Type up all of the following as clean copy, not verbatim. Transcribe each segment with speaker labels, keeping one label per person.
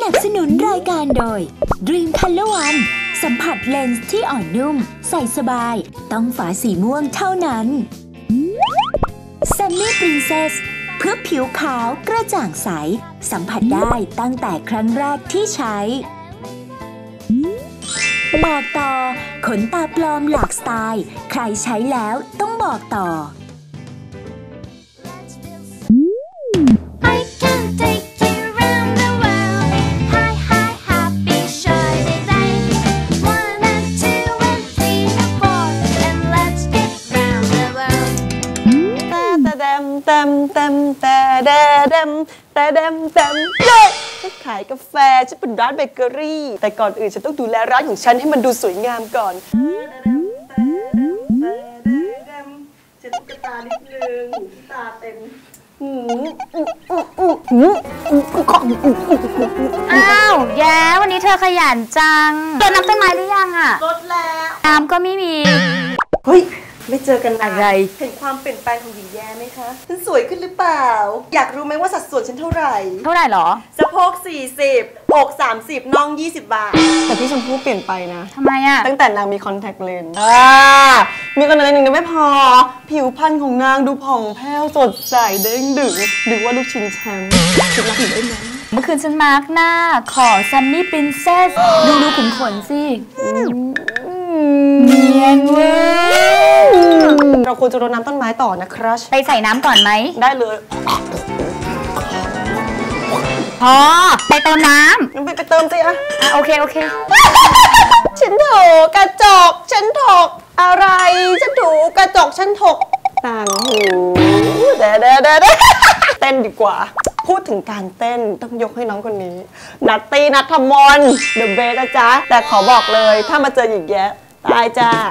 Speaker 1: นับสนุนรายการโดย Dream Color One สัมผัสเลนส์ที่อ่อนนุ่มใส่สบายต้องฝาสีม่วงเท่านั้น Sunny Princess เพื่อผิวขาวกระจ่างใสสัมผัสได้ตั้งแต่ครั้งแรกที่ใช้บอกต่อขนตาปลอมหลากสไตล์ใครใช้แล้วต้องบอกต่อ
Speaker 2: ฉันขายกาแฟฉันเป็นร้านเบเกอรี่แต่ก่อนอื่นฉันต้องดูแลร้านของฉันให้มันดูสวยงามก่อนฉันตุ๊กตานิดนึงตาเต็ม
Speaker 3: อ้าวแย้วันนี้เธอขยันจังรดน้ำต้นไม้หรือยังอะ
Speaker 2: รดแล้ว
Speaker 3: น้ำก็ไม่มี
Speaker 2: เฮ้ยไม่เจอกัน
Speaker 3: อะไร
Speaker 2: เห็นความเปลี่ยนแปลงของหญิงแย้ไหมคะฉันสวยขึ้นหรือเปล่าอยากรู้ไหมว่าสัดส่วนฉันเท่าไหร่
Speaker 3: หรอ
Speaker 2: สะโพก40อก30น่อง20 บาทแต่พี่ชมพู่เปลี่ยนไปนะ
Speaker 3: ทำไมอะ
Speaker 2: ตั้งแต่นางมีคอนแทคเลนส์มีคอนแทคเลนส์หนึ่งไม่พอผิวพรรณของนางดูผ่องแผ้วสดใสเด้งดึงหรือว่าลูกชิ้นแชมป์คิดรักอยู่ได้ไหม
Speaker 3: เมื่อคืนฉันมาร์กหน้าขอ Sunny Princess ดูขุนขนสิเนียนเว้ย
Speaker 2: เราควรจะรดน้ำต้นไม้ต่อนะครัช
Speaker 3: ไปใส่น้ำก่อนไหม
Speaker 2: ได้เลย
Speaker 3: พอไปเติมน้
Speaker 2: ำไปเติมสิอะ
Speaker 3: โอเค
Speaker 2: ฉันถูกระจกฉันถกอะไรฉันถูกระจกฉันถกต่างหูเด้เต้นดีกว่าพูดถึงการเต้นต้องยกให้น้องคนนี้นัตตี้นัทธมนต์เดอะเบสนะจ๊ะแต่ขอบอกเลยถ้ามาเจอหญิงแย้ตายจ้า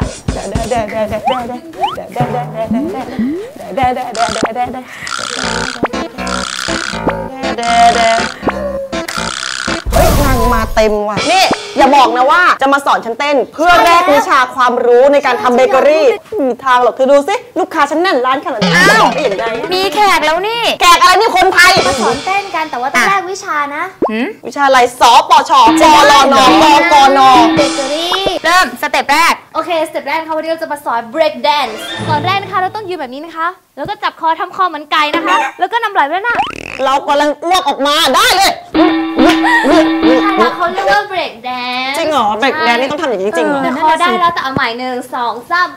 Speaker 2: เฮ้ยนางมาเต็มว่ะนี่อย่าบอกนะว่าจะมาสอนฉันเต้นเพื่อแลกวิชาความรู้ในการทำเบเกอรี่มีทางหรอกเธอดูสิลูกค้าฉันแน่นร้านขนาดนี้จะบอกได้อย่างไร
Speaker 3: มีแขกแล้วนี่
Speaker 2: แขกอะไรนี่คนไทย
Speaker 4: มาสอนเต้นกันแต่ว่าต้องแลกวิชานะ
Speaker 2: วิชาอะไรสปชปลนกน
Speaker 4: เบเกอรี่
Speaker 3: เริ่มสเต็ปแรก
Speaker 4: โอเคสเต็ปแรกค่ะวันนี้เราจะมาสอน break dance ก่อนแรกนะคะเราต้องยืนแบบนี้นะคะแล้วก็จับคอทำคอเหมือนไก่นะคะแล้วก็นำไหล่ไปด้านหน้า
Speaker 2: เรากำลังอ้วกออกมาได้เลย
Speaker 4: ใช่แล้วเขาเรียกว่า break dance
Speaker 2: จริงเหรอ break dance นี่ต้องทำอย่างนี้จริงเหรอ
Speaker 4: คอได้แล้วแต่เอาใหม่1 2 3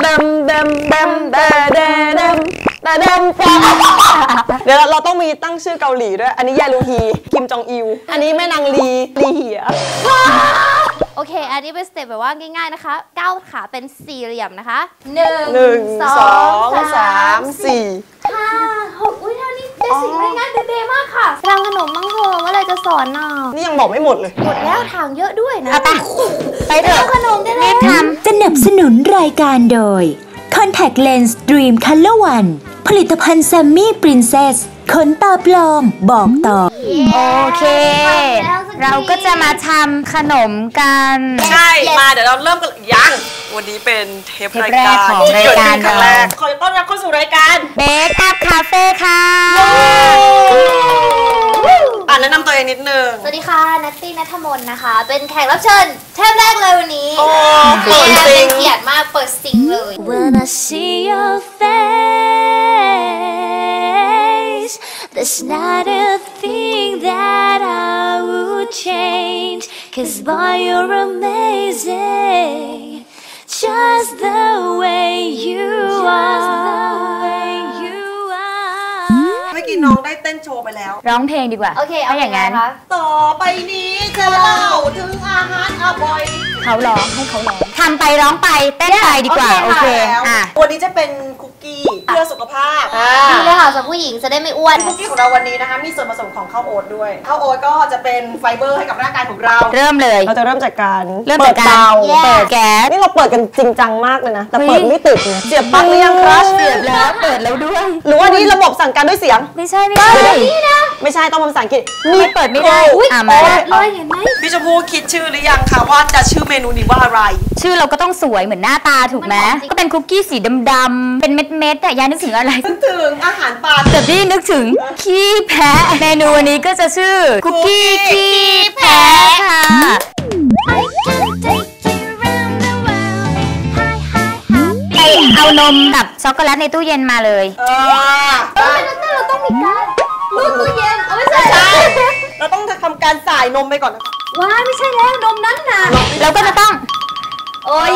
Speaker 2: เดี๋ยวเราต้องมีตั้งชื่อเกาหลีด้วยอันนี้ยาลูฮีคิมจองอิลอันนี้แม่นางลีเหีย
Speaker 4: โอเคอันนี้เป็นสเต็ปแบบว่าง่ายๆนะคะก้าวขาเป็นสี่เหลี่ยมนะคะ
Speaker 2: 1 2 3 4
Speaker 4: 5 6อุ้ยท่านี้เบสิกง่ายๆเบมากค่ะทำขนมมังโฮเมื่อไรจะสอนน่ะ
Speaker 2: นี่ยังบอกไม่หมดเลย
Speaker 4: หมดแล้วทางเยอะด้วยนะ
Speaker 3: ไปเถอะ
Speaker 4: ขนมได้แล้ว
Speaker 1: สนับสนุนรายการโดย Contact Lens Dream Color One ผลิตภัณฑ์ Sunny Princess ขนตาปลอมบอกต่อ
Speaker 3: โอเคเราก็จะมาทำขนมกัน
Speaker 2: ใช่มาเดี๋ยวเราเริ่มกันยังวันนี้เป็นเทปรายการ
Speaker 3: ของรายการครั้งแรก
Speaker 2: ขอต้อนรับเข้าสู่รายการ
Speaker 3: Bake Up Cafe ค่ะ
Speaker 2: แนะนำตัวเองนิดนึง
Speaker 4: สวัสดีค่ะนัตตี้ณัฐมนต์นะคะเป็นแขกรับเชิญเทปแรกเลยวันนี้
Speaker 2: เปิดซิง
Speaker 4: เกียรติมากเปิดซิงเลย
Speaker 1: When I see your face there's not a thing that I would change cause boy you're amazing just the way you are
Speaker 2: เมื่อกี้น้องได้เต้นโชว์ไปแล้ว
Speaker 3: ร้องเพลงดีกว่า
Speaker 4: โอเคเอา
Speaker 3: อย่างนั้น
Speaker 2: ต่อไปนี้จะเล่าถึงอาหารอร่อย
Speaker 3: เขาร้องให้เขาร้องทำไปร้องไปเต้นไปดีกว่าโอเค
Speaker 2: วันนี้จะเป็นคุกกี้เพื่อสุขภาพ
Speaker 4: ดีเลยค่ะสำหรับผู้หญิงจะได้ไม่อ้วน
Speaker 2: คุกกี้ของเราวันนี้นะคะมีส่วนผสมของข้าวโอ๊ตด้วยข้าวโอ๊ตก็จะเป็นไฟเบอร์ให้กับร่างกายของเรา
Speaker 3: เริ่มเลย
Speaker 2: เราจะเริ่มจากการ
Speaker 3: เปิดเตาเปิดแก๊ส
Speaker 2: นี่เราเปิดกันจริงจังมากเลยนะแต่เปิดไม่ติดเนี่ยเสียบปลั๊กหรือยังครัช
Speaker 3: เสียบแล้วเปิดแล้วด้วย
Speaker 2: หรือว่านี้ระบบสั่งการด้วยเสียง
Speaker 3: ไม่ใช่
Speaker 4: นี่นะ
Speaker 2: ไม่ใช่ต้องภาษาอังกฤษ
Speaker 3: นี่เปิดไม่ได้
Speaker 4: มาเลยเห็นไหม
Speaker 2: พี่ชมพู่คิดชื่อหรือยังคะว่าจะชื่อเมนูนี้ว่าอะไร
Speaker 3: ชื่อเราก็ต้องสวยเหมือนหน้าตาถูกไหมก็เป็นคุกกี้สีดำๆเป็นเม็ดๆแต่ยายนึกถึงอะไร
Speaker 2: นึกถึงอาหารปลา
Speaker 3: แต่พี่นึกถึงขี้แพะเมนูวันนี้ก็จะชื่อคุกกี้ขี้แพะค่ะไปเอานมกับช็อกโกแลตในตู้เย็นมาเลย
Speaker 4: เราต้องมีการรูดตู้เย็นไม่ใช่
Speaker 2: เราต้องทำการสายนมไปก่อนนะคะ
Speaker 4: ว้าไม่ใช่แล้วนมนั้นน่ะ
Speaker 3: เราก็จะต้อง
Speaker 4: โอ้ย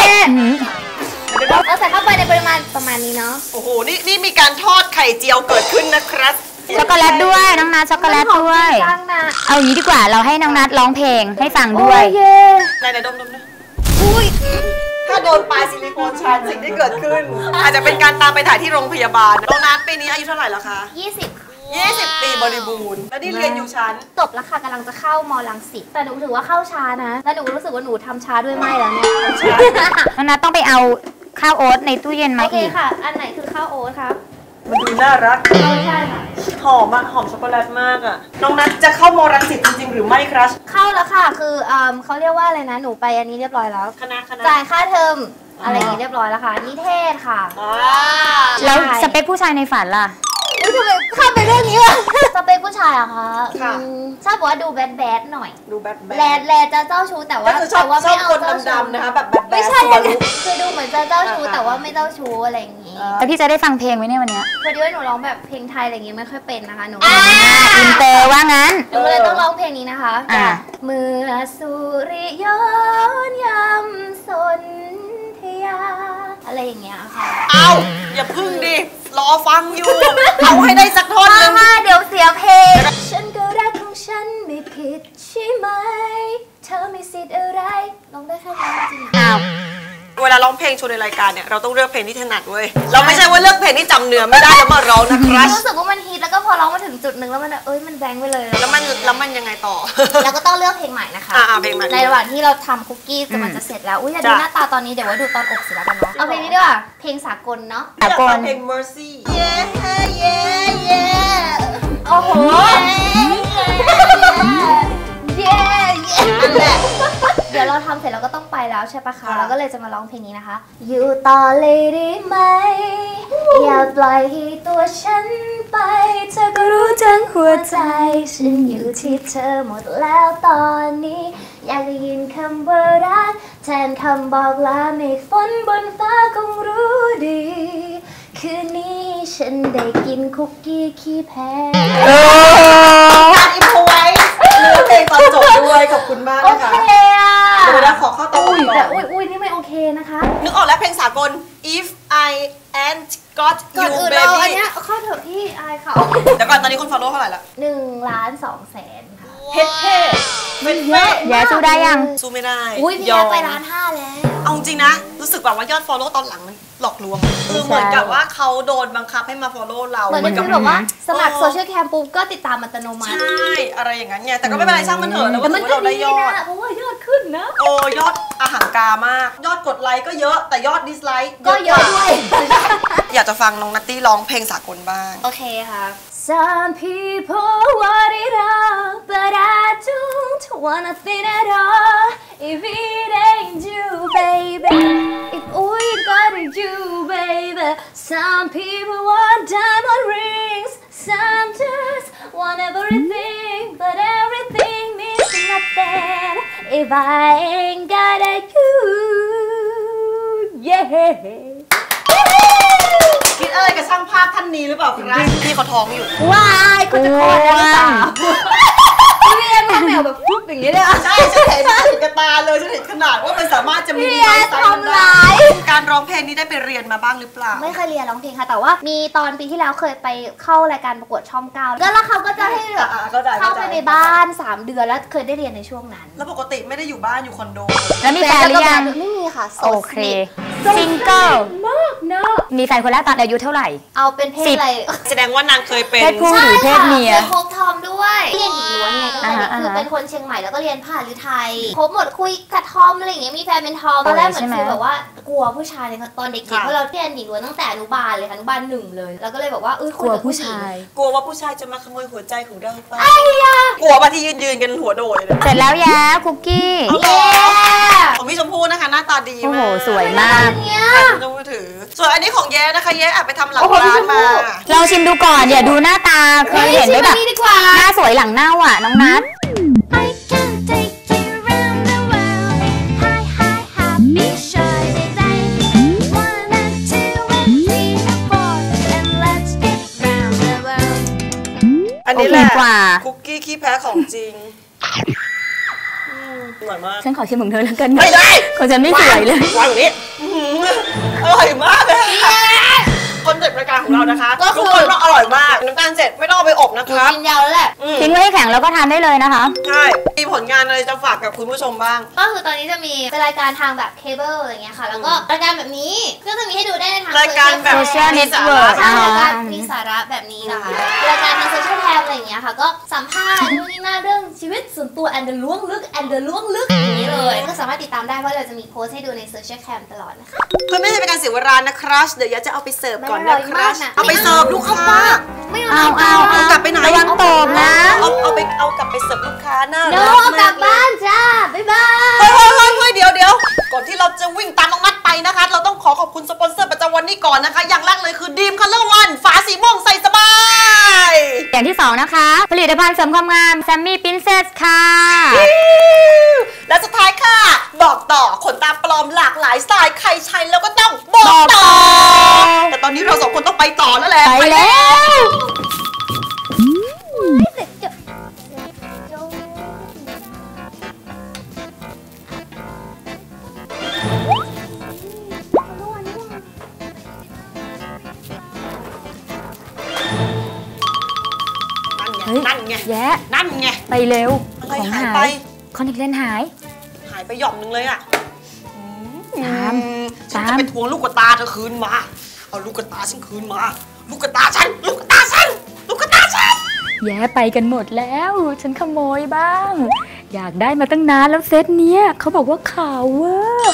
Speaker 4: เราใส่เข้าไปในปริมาณประมาณนี้เนาะ
Speaker 2: โอ้โหนี่มีการทอดไข่เจียวเกิดขึ้นนะครับ
Speaker 3: ช็อกโกแลตด้วยน้องนัทช็อกโกแลตด้วยเอาอย่างนี้ดีกว่าเราให้น้องนัทร้องเพลงให้ฟังด้วย
Speaker 2: ไหนดมนะอุ้ยถ้าโดนปลายซิลิโคนชันสิ่งที่เกิดขึ้นอาจจะเป็นการตามไปถ่ายที่โรงพยาบาลน้องนัทปีนี้อายุเท่าไหร่แล้วคะ20 ปีบริบูรณ์แล้วนี่เรียนอยู่ชั้น
Speaker 4: จบแล้วค่ะกำลังจะเข้าม.รังสิตแต่หนูถือว่าเข้าช้านะแล้วหนูรู้สึกว่าหนูทำช้าด้วยไม่แล้วเนี่ย
Speaker 3: น้องนัทต้องไปเอาข้าวโอ๊ตในตู้เย็นมาอีก
Speaker 4: ค่ะอันไหนคือข้าวโอ๊ตคะ
Speaker 2: มันดูน่ารัก
Speaker 4: ใช่ค่ะ
Speaker 2: หอมหอมช็อกโกแลตมากอ่ะน้องนัทจะเข้าม.รังสิตจริงๆหรือไม่ครับ
Speaker 4: เข้าแล้วค่ะคือเขาเรียกว่าอะไรนะหนูไปอันนี้เรียบร้อยแล้ว
Speaker 2: คณะ
Speaker 4: จ่ายค่าเทอมอะไรอย่างนี้เรียบร้อยแล้วค่ะนิเทศค่ะ
Speaker 3: แล้วสเปคผู้ชายในฝันล่ะ
Speaker 4: ทำไมข้ามไปเรื่องนี้วะสเปคผู้ชายอะคะชอบบอกว่าดูแบดหน่อย
Speaker 2: ดูแบด
Speaker 4: แลจะเจ้าชู้แต่ว่า
Speaker 2: ไม่เอาคนดำๆนะคะแบบ
Speaker 4: ไม่ใช่คือดูเหมือนจะเจ้าชู้แต่ว่าไม่เจ้าชู้อะไรอย่างนี้
Speaker 3: แต่พี่จะได้ฟังเพลงไหมเนี่ยวันนี้
Speaker 4: พอดีว่าหนูร้องแบบเพลงไทยอะไรอย่างงี้ไม่ค่อยเป็นนะคะหนู
Speaker 3: อินเตอร์ว่างั้น
Speaker 4: หนูเลยต้องร้องเพลงนี้นะคะเมื่อสุริยนต์ยำสนธยาอะไรอย่างเงี้ยค่ะ
Speaker 2: เอาอย่าพึ่งดิรอฟังอยู่เอาให้ได้สักท่อนนึง
Speaker 4: เดี๋ยวเสียเพลงฉันก็รักของฉันไม่ผิดใช่ไหมเธอมีสิทธิ์อะไรร้องได้แค่นั้นจริง
Speaker 2: เวลาร้องเพลงโชว์ในรายการเนี่ยเราต้องเลือกเพลงที่ถนัดเว้ยเราไม่ใช่ว่าเลือกเพลงที่จำเนื้อไม่ได้แล้วมาร้องนะครับ
Speaker 4: รู้สึกว่ามันฮิตแล้วก็พอร้องมาถึงจุดหนึ่งแล้วมันมันแบงค์ไปเลย
Speaker 2: แล้วมันยังไงต่อ
Speaker 4: เราก็ต้องเลือกเพลงใหม่นะคะ
Speaker 2: เพลงใหม่
Speaker 4: ในระหว่างที่เราทำคุกกี้มันจะเสร็จแล้วอย่าดูหน้าตาตอนนี้เดี๋ยวว่าดูตอนอกเสร็จแล้วกันเนาะเอาเพลงนี้ดีกว่าเพลงสากลเนาะ
Speaker 2: สากลเพลง Mercy
Speaker 4: โอ้โหนั่นแหละเดี๋ยวเราทำเสร็จเราก็ต้องไปแล้วใช่ปะคะเราก็เลยจะมาร้องเพลงนี้นะคะอยู่ต่อเลยได้ไหมอย่าปล่อยให้ตัวฉันไปเธอก็รู้ทั้งหัวใจฉันอยู่ที่เธอหมดแล้วตอนนี้อยากได้ยินคำว่ารักแทนคำบอกลาเมฆฝนบนฟ้าคงรู้ดีคืนนี้ฉันได้กินคุกกี้ขี้แพ้
Speaker 2: การอินโฟไว้เลือกเพลงตอนจบด้วยขอบคุณมากนะคะ
Speaker 4: โอเคอ่ะ
Speaker 2: เดี๋ยวเราขอเข้าต่อก่อน
Speaker 4: แต่อุ้ยนี่ไม่โอเคนะคะ
Speaker 2: นึกออกแล้วเพลงสากล If I ain't got you baby
Speaker 4: อันนี้เข้าเถอะพี่อายเขา
Speaker 2: เดี๋ยวก่อนตอนนี้คน follow เท่าไหร่ละ
Speaker 4: 1,200,000ค่ะ
Speaker 2: เฮ้เป็นเฟ้
Speaker 3: แย่สู้ได้ยัง
Speaker 2: สู้ไม่ได้
Speaker 4: อุ้ยพี่แย่ไป1,500,000แล้ว
Speaker 2: เอาจริงนะรู้สึกแบบว่ายอด follow ตอนหลังมันหลอกลวงคือเหมือนกับว่าเขาโดนบังคับให้มา follow เรา
Speaker 4: เหมือนกับว่าสมัครโซเชียลแคมปุ๊บก็ติดตามอัตโนมัติ
Speaker 2: ใช่อะไรอย่างนั้นไงแต่ก็ไม่เป็นไรช่างมันเถอะแล้วว่าเราได้ยอด
Speaker 4: เพราะว่ายอดขึ้นนะ
Speaker 2: โอ้ยอดอาหารกามากยอดกดไลค์ก็เยอะแต่ยอดดิสไลค์
Speaker 4: ก็เยอะด้วย
Speaker 2: อยากจะฟังน้องนัตตี้ร้องเพลงสากลบ้าง
Speaker 4: โอเคค่ะ Some people want it all but I don't want nothing at all if it ain't you baby if we got you baby Some people want diamond rings Some just want everything but everything means nothing if I ain't got you yeah
Speaker 2: คิดอะไรกับช่างภาพท่านนี้หรือเปล่าครับพี่เขาท้องอยู่
Speaker 4: ว้ายเขาจะคลอดแล้วหรือเปล่าพี่เอ็มแมวแบบปุ๊บอย่างนี้เลย
Speaker 2: ใช่ฉันเห็นกับตาเลยฉันเห็นขนาดว่ามันสามารถจะมีไซส์ได้การร้องเพลงนี้ได้ไปเรียนมาบ้างหรือเปล่า
Speaker 4: ไม่เคยเรียนร้องเพลงค่ะแต่ว่ามีตอนปีที่แล้วเคยไปเข้ารายการประกวดช่อง9แล้วเขาก็จะให้แบบเข้าไปในบ้าน3 เดือนแล้วเคยได้เรียนในช่วงนั้น
Speaker 2: แล้วปกติไม่ได้อยู่บ้านอยู่คอนโด
Speaker 3: แล้วมีแฟนหรือยัง
Speaker 4: ไม่มีค่ะ
Speaker 3: โอเคซิงเกิล
Speaker 4: มากเนอะ
Speaker 3: มีแฟนคนแรกตอนอายุเท่าไหร่
Speaker 4: เอาเป็นเพศอะไร
Speaker 2: แสดงว่านางเคยเป็น
Speaker 3: เพศผู้หรือเพศเมีย
Speaker 4: ใช่ค่ะครบทอมด้วยเรียนหญิงล้วนไงตั้งแต่เด็กคือเป็นคนเชียงใหม่แล้วก็เรียนผ่าหรือไทยครบหมดคุยกับทอมอะไรอย่างเงี้ยมีแฟนเป็นทอมตอนแรกเหมือนคือแบบว่ากลัวผู้ชายเลยค่ะตอนเด็กๆเพราะเราเรียนหญิงล้วนตั้งแต่อนุบาลเลยค่ะอนุบาล1เลยแล้วก็เลยบอกว่าคุ
Speaker 3: ก
Speaker 4: ย
Speaker 3: ลัว
Speaker 4: กับ
Speaker 3: ผู้
Speaker 4: ผู้หญิง
Speaker 3: ชาย
Speaker 2: กลัวว่าผู้ชายจะมาขโมยหัวใจของเราไปกลัวว่าที่ยืนกันหัวโดยเลย
Speaker 3: เสร็จแล้วแย้คุกกี้
Speaker 2: เอาเหรอของพี่ชมพู่นะคะหน้าตาดี
Speaker 3: โอ้
Speaker 2: มา
Speaker 3: โห
Speaker 2: ก
Speaker 3: สวยมาก
Speaker 4: เนี่ย
Speaker 2: คุณชมพู่ถือส่วนอันนี้ของแย้นะคะแย้แอบไปทำหลังร้านมา
Speaker 3: ลองชิมดูก่อนอย่าดูหน้าตาเคยเห็นไหมแบบ
Speaker 4: ดีกว่า
Speaker 3: หน้าสวยหลังเน่าอ่ะน้องนัท
Speaker 5: I can take you round the world. Hi, hi, happy shiny day. 1 and 2 and 3 and 4 and let's get round the world.
Speaker 2: อันนี้แหละ
Speaker 3: โอเคกว่า
Speaker 2: คุกกี้ขี้แพ้ของจริงอร่อยมาก
Speaker 3: ฉันขอชิมของเธอแล้วกัน
Speaker 2: ไม่ได้
Speaker 3: ของฉันไม่สวยเลย
Speaker 2: วางอย่างนี้อร่อยมากเลยคอนเซ็ปต์รายการของเรานะคะทุกคนว่าอร่อยมากน้ำตาลเสร็จไม่ต้องเอาไปอบนะครับ
Speaker 4: กินยาวแล้วแหละ
Speaker 3: ทิ้งไว้ให้แข็งแล้วก็ทานได้เลยนะคะ
Speaker 2: ใช่มีผลงานอะไรจะฝากกับคุณผู้ชมบ้าง
Speaker 4: ก็คือตอนนี้จะมีเป็นรายการทางแบบเคเบิลอะไรเงี้ยค่ะ แล้วก็รายการแบบนี้ก็จะมีให้ดูได้ในทาง
Speaker 2: รายการแบบ
Speaker 3: Social
Speaker 2: มีสาระ
Speaker 3: Network
Speaker 4: ใช่รายการมีสาระแบบนี้นะคะรายการทางโซเชียลแคมอะไรอย่างเงี้ยค่ะ ก็สัมภาษณ์นู่นนี่นั่นเรื่องชีวิตส่วนตัวแอนเดอร์ล้วงลึกแอนเดอร์ล้วงลึกอย่างนี้เลยก็สามารถติดตามได้เพราะเราจะมีโพสต์ให้ดูในโซเชียลแคมตลอดนะคะ
Speaker 2: เพื่อไม่ให้เป็นการเสียเวลานะครับเดี๋ยวยัดจะเอาไปเสิร์ฟก่อน
Speaker 4: มันอร่
Speaker 2: นะ
Speaker 4: อย
Speaker 2: ค
Speaker 4: มา
Speaker 2: รั
Speaker 4: ก
Speaker 2: บ
Speaker 4: นะ
Speaker 2: เอาไปเสิร์ฟลูกค้า
Speaker 4: ไม่
Speaker 3: เอาเอา
Speaker 2: กลับไปไหน
Speaker 3: ระวังตกนะ
Speaker 2: เอากลับไปเสิร์ฟลูกค้าหน้า
Speaker 4: โน้
Speaker 2: ร้าน
Speaker 4: กลับบ้านจ้าบ๊ายบาย
Speaker 2: เฮ้ยเดี๋ยวก่อนที่เราจะวิ่งตามน้องนัดไปนะคะ เราต้องขอบคุณสปอนเซอร์ประจำวันนี้ก่อนนะคะ อย่างแรกเลยคือดีมคัลเลอร์วันฝาสีม่วงใส่สบาย
Speaker 3: อย่างที่สองนะคะ ผลิตภัณฑ์เสริมความงามแซมมี่ปรินเซสค่ะ
Speaker 2: และสุดท้ายค่ะ บอกต่อขนตาปลอมหลากหลายสไตล์ใครใช้แล้วก็ต้องบอกต่อ แต่ตอนนี้เราสองคนต้องไปต่อแล้วแหละ
Speaker 3: ไปแล้ว
Speaker 2: นั่นไง
Speaker 3: แย้
Speaker 2: นั่นไง
Speaker 3: ไปเร็ว
Speaker 2: อะไร
Speaker 3: ของ
Speaker 2: หาย
Speaker 3: หา
Speaker 2: ไป
Speaker 3: ยคอนแทคเลนส์หาย
Speaker 2: หายไปหย่อมนึงเลยอ่ะ
Speaker 3: ตาม
Speaker 2: ฉันจะไปทวงลูกกระตาเธอคืนมา เอาลูกกระตาฉันคืนมา ลูกกระตาฉัน ลูกกระตาฉัน ลูกกระตาฉัน
Speaker 3: แย้ไปกันหมดแล้ว ฉันขโมยบ้าง อยากได้มาตั้งนานแล้วเซตเนี้ยเขาบอกว่าขาวเวอร์